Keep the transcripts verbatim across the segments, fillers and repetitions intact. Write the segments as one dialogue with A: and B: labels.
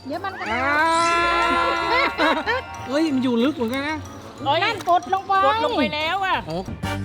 A: เดี๋ยวมันก็
B: อ่าเฮ้ยมันอยู่ลึกเหมือนกันนะ
A: นั่นกดลงไป
C: กดลงไปแล้วอ่ะ
B: อ๋อ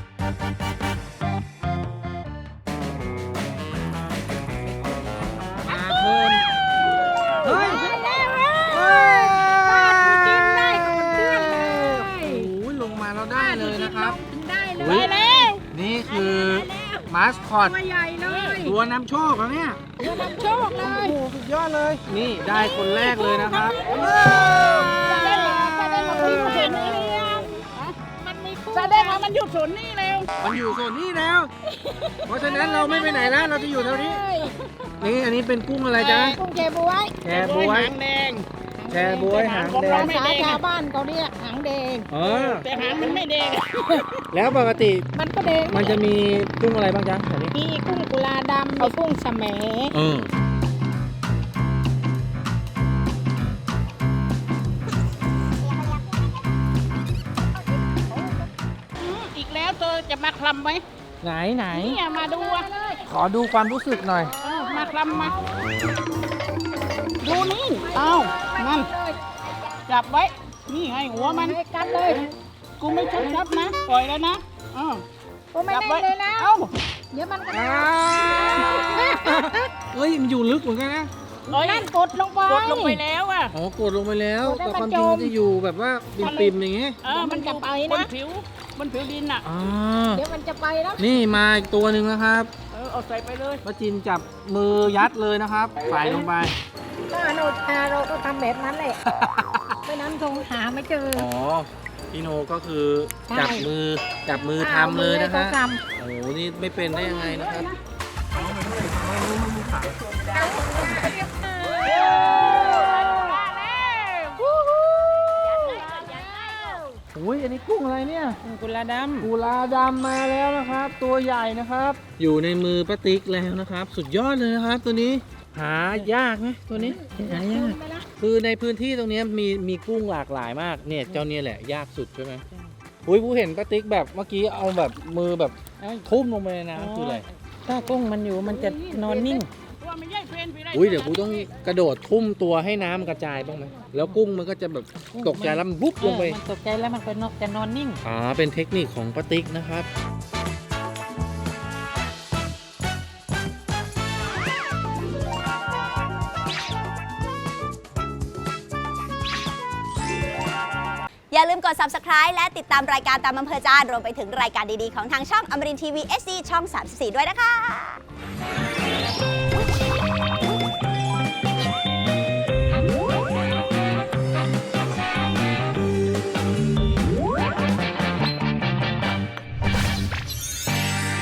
B: ปลาเพลินเฮ้ย
A: ได้แล้ว
B: เฮ้ย
A: ป้ากินได้ก่อนเพื่อนเลย
B: โอ้ยลงมาแล้วได้เลยนะครับ
A: กินได้เล
B: อุ๊
A: ย
B: ย
A: แล้ว
B: นี่คือมาสคอต
A: ตัวใหญ่เลย
B: ตัวนำโชคแล้วเนี่ย
A: ตัวนำโชคเล
B: โอ้
A: ย
B: โหสุดยอดเลย นี่ได้คนแรกเลยนะครับ
A: จะได้เหรอจะได้มาพิมพ์เห็นหรือยังมันมีคู่
C: แสดงว่ามันหยุดสนนี่แล้ว
B: มันอยู่โซนนี้แล้ว เพราะฉะนั้นเราไม่ไปไหนแล้วเราจะอยู่แถวนี้ นี่อันนี้เป็นกุ้งอะไรจ๊ะ
A: กุ้งแชบ๊วย
B: แชร์บวย
C: หางแดง
B: แชร์บวยหางแด
A: ภาง ษาชาวบ้านเขาเรียกหางแดง
B: เออ
C: แต่หางมันไม่แดง
B: แล้วปกติ
A: มันก็แดง
B: มันจะมีกุ้งอะไรบ้างจ๊ะแถวนี้
A: มีกุ้งกุลาดำมีกุ้งแสม
B: เออ
C: อีกแล้วเธอจะมาคลำไหม
B: ไหนไหน
C: เนี่ยมาดูอ่ะ
B: ขอดูความรู้สึกหน่อย
C: เออมาคลำมา ดูนี่เอ้านั่นจับไว้ นี่ไงหัวมัน
A: ให้กันเลย
C: กูไม่ชับชับนะ ปล่อยแล้วนะอ้าว
A: ก็ไม่
C: จับ
A: ได้
C: ไว้
A: เลยนะ
C: เอ้า
A: เดี๋ยวมันก็
B: อ่าเฮ้ยมันอยู่ลึกเหมือนกันนะ
C: เอ้ย
A: นั่นกดลงไป
C: กดลงไปแล้วอ่ะ
B: อ๋อกดลงไปแล้ว
A: กดให้
B: แต่
A: มัน
B: ความจริง
A: จม
B: มันจะอยู่แบบว่าปิ่มๆอย่างงี้
C: เออ มันจะไปนะบนผิวบนผิวดินอ่ะ
B: อ่า
A: เดี๋ยวมันจะไปแล้ว
B: นี่มาอีกตัวหนึ่งนะครับ
C: เออ เอาใส่ไปเลย
B: ป้าจินจับมือยัดเลยนะครับใส่ลงไป
A: ก็อนุชาเราก็ทำแบบนั้นแหละไม่นั้นคงหาไม่เจอ
B: อ๋อพี่โนก็คือ
A: ใช่
B: จับมือจับมือทำเลยนะ
A: ขา
B: ฮะ
A: ท
B: โอ้โหนี่ไม่เป็นได้ยังไงนะครับโอ้ยอันนี้กุ้งอะไรเนี่ย
C: กุลาด
B: กุลาดำมาแล้วนะครับ ตัวใหญ่นะครับ อยู่ในมือป้าติ๊กแล้วนะครับ สุดยอดเลยนะครับ ตัวนี้หายากไหมตัวนี้หายากคือในพื้นที่ตรงนี้มีมีกุ้งหลากหลายมากเนี่ยเจ้าเนี่ยแหละยากสุดใช่ไหมอุ้ยผู้เห็นป้าติ๊กแบบเมื่อกี้เอาแบบมือแบบทุ่มลงไปในน้ำคืออะไร
A: ถ้ากุ้งมันอยู่มันจะนอนนิ่ง
C: ำตัวมันใหญ่เพลนไปได้
B: อุ้ยเดี๋ยวกูต้องกระโดดทุ่มตัวให้น้ำกระจายบ้างไหมแล้วกุ้งมันก็จะแบบตกใจแล้วมันบุ๊บลงไป
A: มันตกใจแล้วมันก็นกจะนอนนิ่ง
B: อ๋อเป็นเทคนิคของป้าติ๊กนะครับ
D: อย่าลืมกด ซับสไครบ์ และติดตามรายการตามอำเภอใจรวมไปถึงรายการดีๆของทางช่องอมรินทร์ทีวี เอช ดี ช่อง สามสิบสี่ ด้วยนะคะ